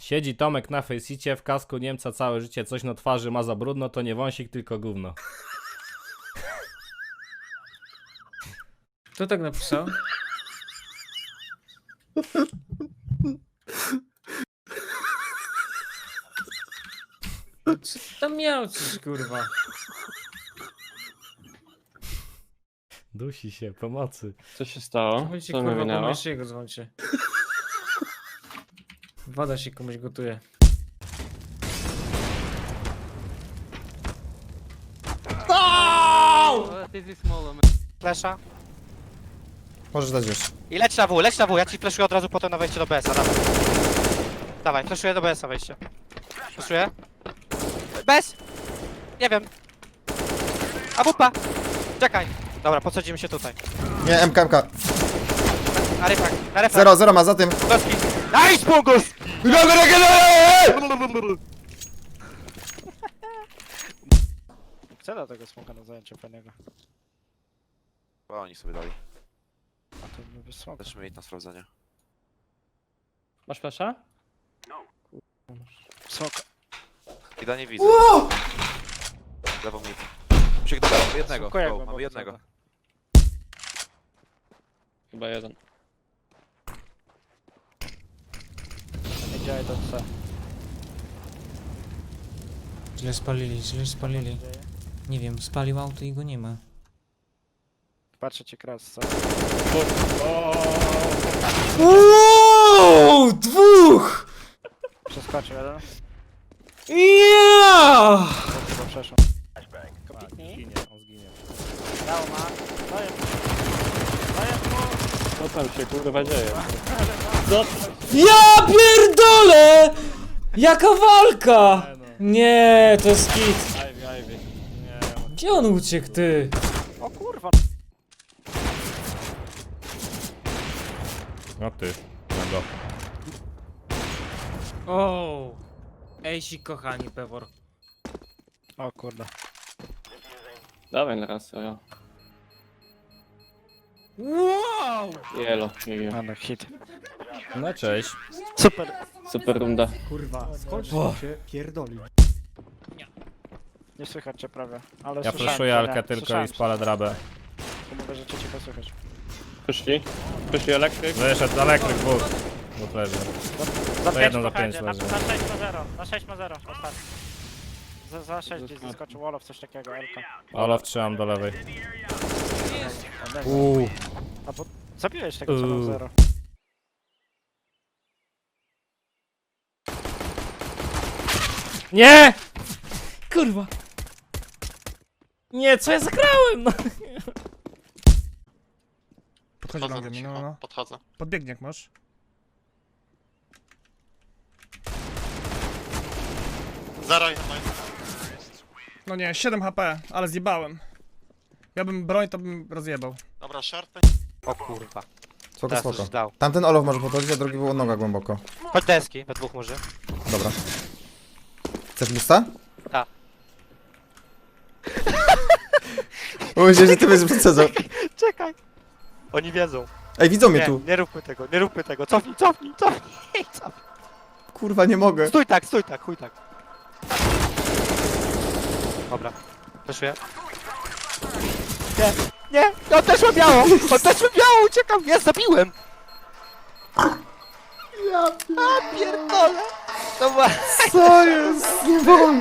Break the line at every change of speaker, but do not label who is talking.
Siedzi Tomek na Faceicie, w kasku Niemca całe życie, coś na twarzy ma za brudno, to nie wąsik, tylko gówno.
Kto tak napisał? Co tam miał coś, kurwa?
Dusi się, pomocy.
Co się stało?
Chodźcie,
Co mi
kurwa, po
minęło?
mężczyźniego dzwońcie. Woda się komuś gotuje.
Flesza.
Możesz dać już.
I leć na W, ja ci fleszuję od razu potem na wejście do BS-a, dawaj. Dawaj, fleszuję do BS-a wejście. Fleszuję. BS! Nie wiem. A wupa! Czekaj. Dobra, podsadzimy się tutaj.
Nie, MK.
Na refrak, na refrak.
Zero, zero ma za tym.
Doski. Nice, Pungus! Chcę do tego smoka na zajęcie fajnego.
Bo oni sobie dali.
A to by smoka.
Też mieli na sprawdzenie.
Masz flasha?
Smoka.
Ida nie widzę. Lewą mi. Musiek do jednego.
Smokuję
Go,
go,
mamy jednego.
Chyba jeden.
Nie działaj to C.
Źle spalili. Nie wiem, spalił auto i go nie ma.
Patrzę cię kras, co?
Uuuu, dwóch!
Przeskoczył jeden.
Ja!
Chyba przeszło. Kopitnij.
On zginie.
Dało ma. Daję. Daję mu.
Co tam się kurwa dzieje?
Ja pierdolę! Jaka walka! Nie, to jest hit.
Ivy.
Gdzie on uciekł, ty?
O kurwa.
No ty, na go.
O! Ejsi kochani, Pewor.
O kurde.
Dawaj na raz, ja.
Wow!
Jelo, jejo.
Ale hit.
No cześć.
Super.
Super runda.
Kurwa, skąd się pierdoli?
Nie słychać cię prawie. Ale
Ja
słyszałem
flashuję
cię,
Alkę
nie.
tylko
Słyszałem
i spalę drabę.
cię. Mówię, że cię cicho słychać.
Przyszli? Przyszli elektryk?
Wyszedł elektryk, dwóch. Dwóch leży.
Za
To
5
jedną za pięć
na
leży.
6 ma 0. Na 6 ma 0. Ostatni. Za 6 gdzieś zaskoczył Wolof, coś takiego, Elka.
Olaf trzymam do lewej.
A bo zabiłeś tego co ma 0.
Nie! Kurwa. Nie, co ja zagrałem? No.
Podchodzi do mnie, no.
Podchodzę.
Podbiegnie jak masz.
Zero
No nie, 7 HP, ale zjebałem. Ja bym broń, to bym rozjebał.
Dobra, short.
O kurwa.
Spoko,
Teraz
spoko.
już dał.
Tamten Olof może podchodzić, a drugi był noga głęboko.
Chodź deski, we dwóch może.
Dobra. Chcesz busta?
Tak.
Myślę, że ty będziesz przecedzał.
Czekaj. Oni wiedzą.
Ej, widzą mnie
Nie,
tu.
nie róbmy tego, nie róbmy tego. Cofnij, cofnij, cofnij. Cofnij.
Kurwa, nie mogę.
Stój tak, chuj tak. Dobra. Przeszuję. Nie, nie, on też ma biało! On też ma biało, uciekam, ja zabiłem! Ja pierdolę! To ma...
Co jest? Nie mogę.